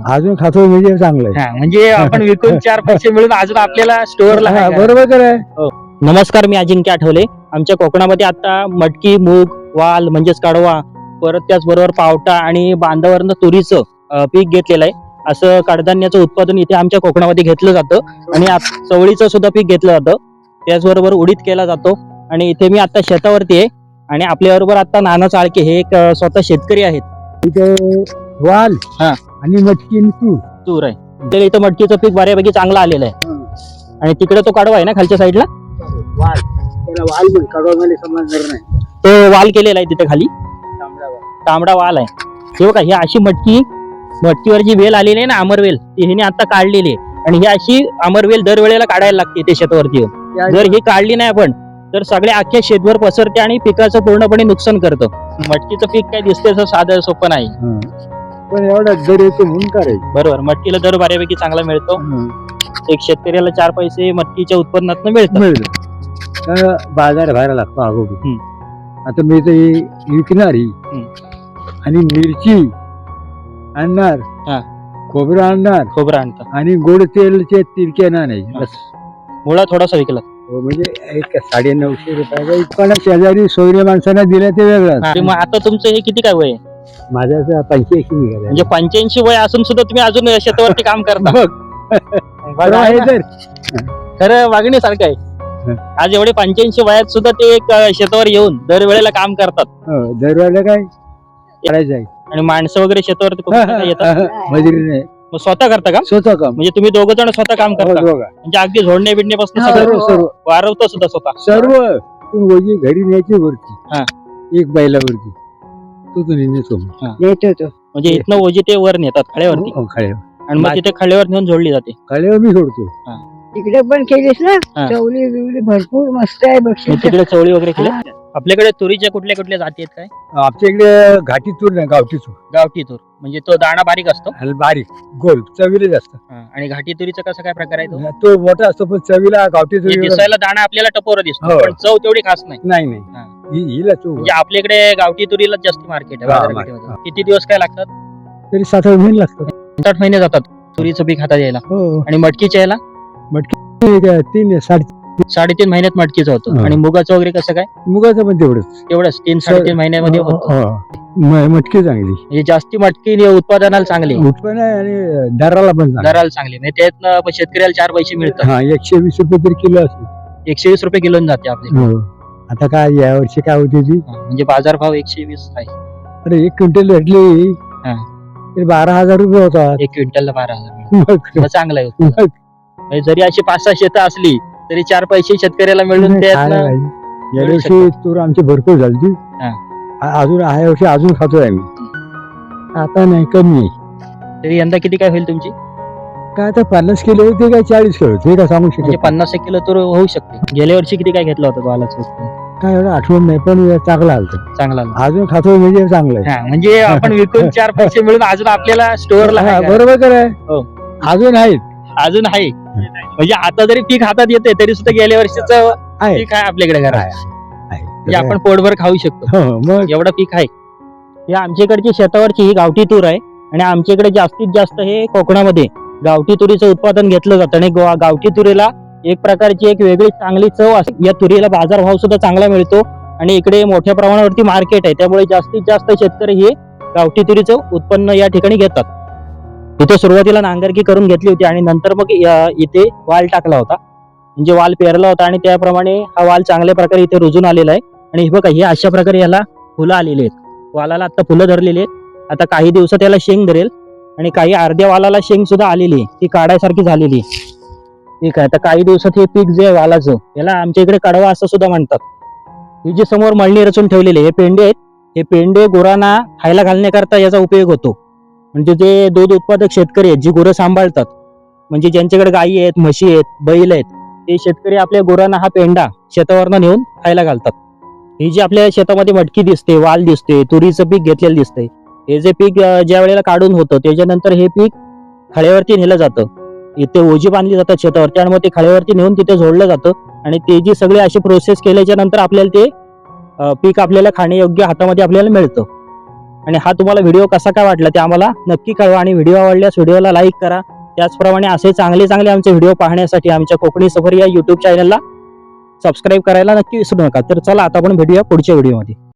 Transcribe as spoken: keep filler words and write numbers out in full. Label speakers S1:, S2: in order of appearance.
S1: अजून खातो म्हणजे चांगलं आहे.
S2: हा, म्हणजे आपण विकून चार पैसे मिळून अजून आपल्याला स्टोअरला
S1: हा, बरोबर आहे.
S2: नमस्कार, मी अजिंक्य आठवले. आमच्या कोकणामध्ये आता मटकी, मूग, वाल म्हणजेच कडवा, परत त्याचबरोबर पावटा आणि बांधावरनं तुरीचं अं, पीक घेतलेलं आहे. असं कडधान्याचं उत्पादन इथे आमच्या कोकणामध्ये घेतलं जातं आणि आत- चवळीचं सुद्धा पीक घेतलं जातं. त्याचबरोबर उडीद केला जातो. आणि इथे मी आता शेतावरती आहे आणि आपल्याबरोबर आता नाना चाळके हे एक अं, स्वतः शेतकरी आहेत.
S1: इथे वाल
S2: हा.
S1: आणि मटकी आणि तूर.
S2: तूर आहे. तर इथं मटकीचं पीक बऱ्यापैकी चांगलं आलेलं आहे. आणि तिकडे तो कडवा आहे ना खालच्या साईडला,
S1: वाल त्याला वाल पण कडवामध्ये समजणार नाही.
S2: तो वाल केलेला आहे तिथे खाली, तांबडा वाल आहे. हे बघा, ही अशी मटकी, मटकीवर जी वेल आलेली आहे ना, अमरवेल, ती हिने आता काढलेली आहे. आणि ही अशी अमरवेल दरवेळेला काढायला लागते ते शेतावरती येऊन. जर ही काढली नाही आपण तर सगळे अख्ख्या शेतभर पसरते आणि पिकाचं पूर्णपणे नुकसान करतं. मटकीचं पीक काय दिसते असं साधं सोपं नाही.
S1: पण एवढा दर येतो म्हणून करायचं.
S2: बरोबर, मटकीला दर बऱ्यापैकी चांगला मिळतो. एक शेतकऱ्याला चार पैसे मटकीच्या उत्पन्नात मिळतात.
S1: मिळतं बाजार भरायला लागतो अगोदर.
S2: हम्म.
S1: आता मी तर ही विकणारी आणि मिरची आणणार,
S2: हा.
S1: खोबरं आणणार
S2: खोबरं आणतात
S1: आणि गोड तेलचे तिरके नाही. बस
S2: मुळा थोडासा विकला.
S1: म्हणजे एक साडे नऊशे रुपयाचा पण शेजारी सोयरे माणसांना दिलं ते वेगळं.
S2: आणि मग आता तुमचं हे किती काय वय आहे?
S1: माझ्या पंच्याऐंशी निघाला.
S2: म्हणजे पंच्याऐंशी वय असून सुद्धा तुम्ही अजून शेतावरती काम करता. बघा, आहे ना? खरं वागण्यासारखं आहे. आज एवढे पंच्याऐंशी वयात सुद्धा ते एक अं, शेतावर येऊन दरवेळेला काम करतात.
S1: दरवेळेला काय करायचं आहे.
S2: आणि माणसं वगैरे शेतावरती खूप येतात.
S1: मजुरी नाही,
S2: मग स्वतः करता का?
S1: स्वतः काम.
S2: म्हणजे तुम्ही दोघं जण स्वतः काम करता?
S1: दोघं.
S2: म्हणजे अगदी झोडणे बिडण्यापासून
S1: सर्व
S2: सगळं
S1: सर्व
S2: वारवतो सुद्धा स्वतः?
S1: सर्व तू वजी घरी न्यायची
S2: हा.
S1: वरती, एक बैलावरती तू तू नेतो
S2: हा. म्हणजे इथनं ओजी ते वर नेतात खळ्यावरती
S1: खळ्यावर
S2: आणि मग तिथे खळ्यावर नेऊन जोडली जाते.
S1: खळ्यावर मी सोडतो.
S3: तिकडे पण केलीस ना,
S2: हा.
S3: चवली बिवली भरपूर मस्त आहे
S2: मग
S3: बक्षीस.
S2: तिकडे चवळी वगैरे केली. आपल्याकडे तुरीच्या कुठल्या कुठल्या जाती आहेत काय?
S1: आमच्या इकडे घाटी तूर नाही, गावठी तूर.
S2: गावठी तूर म्हणजे तो दाणा बारीक असतो.
S1: आणि बारीक गोल चवीला जास्त.
S2: हा. आणि घाटी तुरीचा कसा काय प्रकार आहे तो?
S1: तो मोठा असतो पण चवीला गावठी
S2: म्हणजे
S1: तूर
S2: दिसायला दाणा आपल्याला टपोरा दिसतो
S1: हो.
S2: पण चव तेवढी खास नाही.
S1: नाही
S2: हा.
S1: नाही हि- हिला तू
S2: म्हणजे आपल्याकडे गावठी तुरीला जास्त मार्केट आहे
S1: हा,
S2: बाजारपेठेमध्ये.
S1: हा.
S2: किती दिवस काय लागतात?
S1: तरी सात आठ महिने लागतात.
S2: सात आठ महिने जातात तुरीचं पीक हातात यायला.
S1: हो
S2: आणि मटकीच्या यायला
S1: ठीक आहे. तीन साडे
S2: साडेतीन महिन्यात मटकीचं होतं.
S1: हा.
S2: आणि मुगाचं वगैरे कसं काय?
S1: मुगाचं पण तेवढंच.
S2: तेवढंच तीन साडेतीन महिन्यामध्ये होतं.
S1: हो, हो. म- मटकी चांगली
S2: म्हणजे जास्ती मटकी उत्पादनाला चांगली,
S1: उत्पन्न आहे आणि दराला पण चांगली.
S2: दराला चांगली. म्हणजे त्यातनं पण शेतकऱ्याला चार पैसे मिळतात.
S1: हा एकशे वीस रुपये तरी किलो असेल.
S2: एकशे वीस रुपये किलो जाते आपली.
S1: हो. आता काय या वर्षी काय होती ती
S2: म्हणजे बाजार भाव एकशे वीस आहे.
S1: अरे एक क्विंटल भेटली
S2: हा.
S1: तरी बारा हजार रुपये होता.
S2: एक क्विंटलला बारा हजार
S1: मग
S2: मग चांगलं आहे.
S1: मग
S2: म्हणजे जरी अशी पाच सहा शेतं असली तरी चार पैसे शेतकऱ्याला मिळून
S1: खायला
S2: त्यातनं
S1: पाहिजे. या वर्षी तूर आमची भरपूर झाली.
S2: हा.
S1: अजून ह्या वर्षी अजून खातोय आम्ही. आता नाही कमी आहे.
S2: तरी यंदा किती काय होईल तुमची?
S1: काय आता पन्नास किलो होते काय चाळीस किलो होते काय सांगू
S2: म्हणजे
S1: शकत
S2: पन्नास एक किलो तर होऊ शकते. गेल्या वर्षी किती काय घेतलं होतं वालाचं उत्पन्न?
S1: काय एवढं आठवण नाही पण चांगला आलत.
S2: चांगला आला.
S1: अजून खातोय म्हणजे चांगलं आहे.
S2: हा, म्हणजे आपण विकून चार पैसे मिळून अजून आपल्याला स्टोअरला
S1: हा, बरोबर तर आहे.
S2: हो.
S1: अजून आहेत
S2: अजून आहे. म्हणजे आता जरी पीक हातात येते तरी सुद्धा गेल्या वर्षीचं
S1: आहे.
S2: पीक आहे आपल्याकडे घरात.
S1: आहे.
S2: म्हणजे आपण पोटभर खाऊ शकतो
S1: हो, मग
S2: एवढं पीक आहे. हे आमच्याकडची शेतावरची ही गावठी तूर आहे. आणि आमच्याकडे जास्तीत जास्त हे कोकणामध्ये गावठी तुरीचं उत्पादन घेतलं जातं. आणि गो- गावठी तुरीला एक प्रकारची एक वेगळी चांगली चव असते. या तुरीला बाजारभाव सुद्धा चांगला मिळतो आणि इकडे मोठ्या प्रमाणावरती मार्केट आहे. त्यामुळे जास्तीत जास्त शेतकरी हे गावठी तुरीचं उत्पन्न या ठिकाणी घेतात. इथे सुरुवातीला नांगरकी करून घेतली होती आणि नंतर मग या- इथे वाल टाकला होता. म्हणजे वाल पेरला होता आणि त्याप्रमाणे हा वाल चांगल्या प्रकारे इथे रुजून आलेला आहे. आणि हे बघा, हे अशा प्रकारे याला फुलं आलेली आहेत. वालाला आता फुलं धरलेली आहेत. आता काही दिवसात याला शेंग धरेल आणि काही अर्ध्या वालाला शेंग सुद्धा आलेली आहे, ती काढायसारखी झालेली आहे. ठीक आहे. आता काही दिवसात हे पीक जे आहे वालाचं, याला आमच्या इकडे कडवा असं सुद्धा म्हणतात. ही जी समोर मळणी रचून ठेवलेली आहे, हे पेंडे आहेत. हे पेंडे गुरांना खायला घालण्याकरता याचा उपयोग होतो. म्हणजे जे दूध उत्पादक शेतकरी आहेत, जी गुरं सांभाळतात, म्हणजे ज्यांच्याकडे गायी आहेत, म्हशी आहेत, बैल आहेत, ते शेतकरी आपल्या गुरांना हा पेंडा शेतावरनं नेऊन खायला घालतात. ही जी आपल्या शेतामध्ये मटकी दिसते, वाल दिसते, तुरीचं पीक घेतलेलं दिसतंय, हे जे पीक अं, ज्या वेळेला काढून होतं त्याच्यानंतर हे पीक खळ्यावरती नेलं जातं. इथे ओझी बांधली जातात शेतावरती आणि मग ते खळ्यावरती नेऊन तिथे जोडलं जातं. आणि ते जी सगळी अशी प्रोसेस केल्याच्या नंतर आपल्याला ते अं, पीक आपल्याला खाण्यायोग्य हातामध्ये आपल्याला मिळतं. आणि हा तुम्हाला व्हिडिओ कसा काय वाटला ते आम्हाला नक्की कळवा आणि व्हिडिओ आवडल्यास व्हिडिओला लाईक करा. त्याचप्रमाणे असे चांगले चांगले आमचे व्हिडिओ पाहण्यासाठी आमच्या कोकणी सफर या युट्यूब चॅनलला सबस्क्राईब करायला नक्की विसरू नका. तर चला आता आपण भेटूया पुढच्या व्हिडिओमध्ये.